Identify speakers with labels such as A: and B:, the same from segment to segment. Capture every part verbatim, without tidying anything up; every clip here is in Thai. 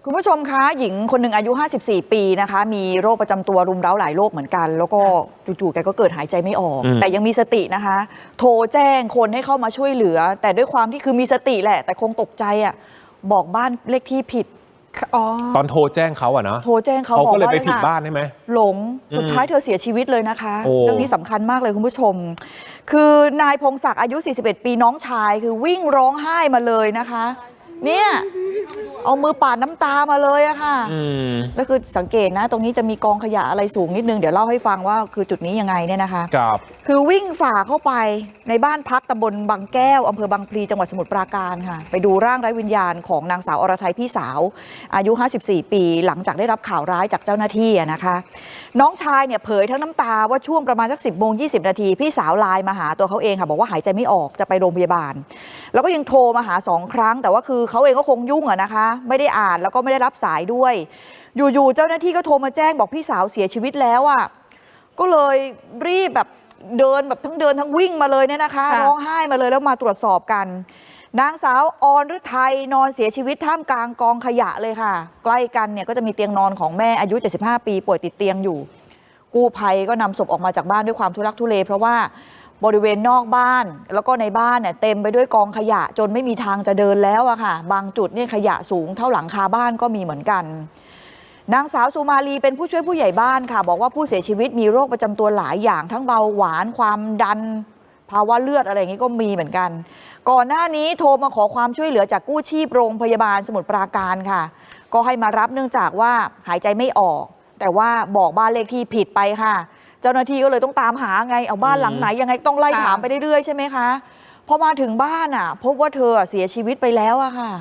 A: คุณผู้ชมคะหญิงคนหนึ่งอายุห้าสิบสี่ปีนะคะมีโรคประจำตัวรุมเร้าหลายโรคเหมือนกันแล้วก็จู่ๆแกก็เกิดหายใจไม่ออกแต่ยังมีสตินะคะโทรแจ้งคนให้เข้ามาช่วยเหลือแต่ด้วยความที่คือมีสติแหละแต่คงตกใจอ่ะบอกบ้านเลขที่ผิด
B: ตอนโทรแจ้งเขาอะเนาะ
A: โทรแจ้งเขา
B: เขาก็เลยไปผิดบ้านใช่ไหม
A: หลงสุดท้ายเธอเสียชีวิตเลยนะคะเรื่องนี้สำคัญมากเลยคุณผู้ชมคือนายพงศักดิ์อายุสี่สิบเอ็ดปีน้องชายคือวิ่งร้องไห้มาเลยนะคะเนี่ยเอามือปาดน้ำตามาเลยอะค่ะแล้วคือสังเกตนะตรงนี้จะมีกองขยะอะไรสูงนิดนึงเดี๋ยวเล่าให้ฟังว่าคือจุดนี้ยังไงเนี่ยนะคะ
B: ครับ
A: คือวิ่งฝ่าเข้าไปในบ้านพักตำบลบางแก้วอำเภอบางพลีจังหวัดสมุทรปราการค่ะไปดูร่างไร้วิญญาณของนางสาวอรทัยพี่สาวอายุห้าสิบสี่ปีหลังจากได้รับข่าวร้ายจากเจ้าหน้าที่นะคะน้องชายเนี่ยเผยทั้งน้ำตาว่าช่วงประมาณสักสิบโมงยี่สิบนาทีพี่สาวไลน์มาหาตัวเขาเองค่ะบอกว่าหายใจไม่ออกจะไปโรงพยาบาลแล้วก็ยังโทรมาหาสองครั้งแต่ว่าคือเขาเองก็คงยุ่งอะนะคะไม่ได้อ่านแล้วก็ไม่ได้รับสายด้วยอยู่ๆเจ้าหน้าที่ก็โทรมาแจ้งบอกพี่สาวเสียชีวิตแล้วอ่ะก็เลยรีบแบบเดินแบบทั้งเดินทั้งวิ่งมาเลยเนี่ยนะคะร้องไห้มาเลยแล้วมาตรวจสอบกันนางสาวอรฤทัยนอนเสียชีวิตท่ามกลางกองขยะเลยค่ะใกล้กันเนี่ยก็จะมีเตียงนอนของแม่อายุเจ็ดสิบห้าปีป่วยติดเตียงอยู่กู้ภัยก็นำศพออกมาจากบ้านด้วยความทุลักทุเลเพราะว่าบริเวณนอกบ้านแล้วก็ในบ้านเนี่ยเต็มไปด้วยกองขยะจนไม่มีทางจะเดินแล้วอะค่ะบางจุดนี่ขยะสูงเท่าหลังคาบ้านก็มีเหมือนกันนางสาวสุมาลีเป็นผู้ช่วยผู้ใหญ่บ้านค่ะบอกว่าผู้เสียชีวิตมีโรคประจำตัวหลายอย่างทั้งเบาหวานความดันภาวะเลือดอะไรอย่างนี้ก็มีเหมือนกันก่อนหน้านี้โทรมาขอความช่วยเหลือจากกู้ชีพโรงพยาบาลสมุทรปราการค่ะก็ให้มารับเนื่องจากว่าหายใจไม่ออกแต่ว่าบอกบ้านเลขที่ผิดไปค่ะเจ้าหน้าที่ก็เลยต้องตามหาไงเอาบ้านหลังไหนยังไงต้องไล่ถามไปเรื่อยๆใช่ไหมคะพอมาถึงบ้านอ่ะพบว่าเธอเสียชีวิตไปแล้วอะค่ะ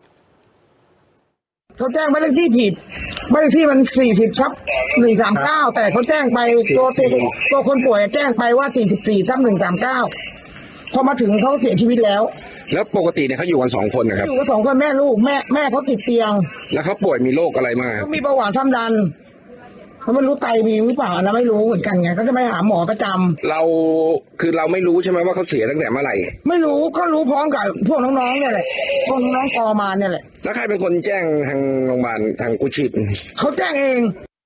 C: เขาแจ้งบ้านเลขที่ผิดบ้านเลขที่มันสี่สิบทับหนึ่งสามเก้าแต่เขาแจ้งไปตัวตัวคนป่วยแจ้งไปว่าสี่สิบสี่ทับหนึ่งสามเก้าพอมาถึงเขาเสียชีวิตแล้ว
D: แล้วปกติเนี่ยเขาอยู่กันสองคนนะครับ
C: อยู่กันสองคนแม่ลูกแม่แม่เขาติดเตียง
D: แล้วเขาป่วยมีโรคอะไรมา
C: เขามีเบาหวานความดันเขาไม่รู้ไตมีหรือเปล่านะไม่รู้เหมือนกันไงเขาจะไปหาหมอประจำ
D: เราคือเราไม่รู้ใช่ไหมว่าเขาเสียตั้งแต่เมื่อไหร่
C: ไม่รู้ก็รู้พร้อมกับพวกน้องๆเนี่ยแหละพวกน้องๆกอมาเนี่ยแหละ
D: แล้วใครเป็นคนแจ้งทางโรงพยาบาลทางกู้ชีพ
C: เขาแจ้งเอง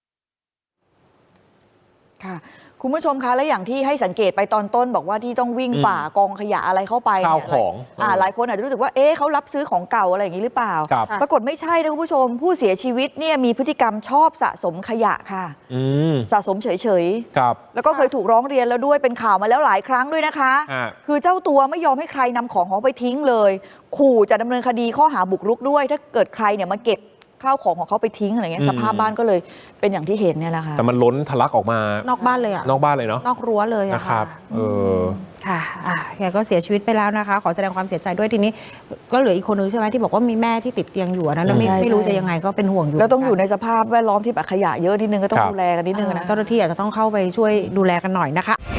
A: ค่ะคุณผู้ชมคะและอย่างที่ให้สังเกตไปตอนต้นบอกว่าที่ต้องวิ่งฝ่ากองขยะอะไรเข้าไป
B: ข้าวของ
A: อ่าหลายคนอาจจะรู้สึกว่าเอ๊ะเขารับซื้อของเก่าอะไรอย่างนี้หรือเปล่าปรากฏไม่ใช่นะคุณผู้ชมผู้เสียชีวิตเนี่ยมีพฤติกรรมชอบสะสมขยะค่ะสะสมเฉยๆแล้วก็เคยถูกร้องเรียนแล้วด้วยเป็นข่าวมาแล้วหลายครั้งด้วยนะคะคือเจ้าตัวไม่ยอมให้ใครนำของของไปทิ้งเลยขู่จะดำเนินคดีข้อหาบุกรุกด้วยถ้าเกิดใครเนี่ยมาเก็บข้าวของของเขาไปทิ้งอะไรเงี้ยสภาพบ้านก็เลยเป็นอย่างที่เห็นเนี่ยแหละค่ะ
B: แต่มันล้นทะลักออกมาน
E: อกบ้านเลยอะ
B: นอกบ้านเลยเนาะ
E: นอกรั้วเลยอะ
B: นะครับเออ
E: ค่ะอ่ะแกก็เสียชีวิตไปแล้วนะคะขอแสดงความเสียใจด้วยทีนี้ก็เหลืออีกคนนึงใช่ไหมที่บอกว่ามีแม่ที่ติดเตียงอยู่นะแล้วไม่ไม่รู้จะยังไงก็เป็นห่วงอยู่
A: แล้วต้องอยู่ในสภาพแวดล้อมที่แบบขยะเยอะนิดนึงก็ต้องดูแลกันนิดนึงนะ
E: เจ้าหน้าที่อาจจะต้องเข้าไปช่วยดูแลกันหน่อยนะคะ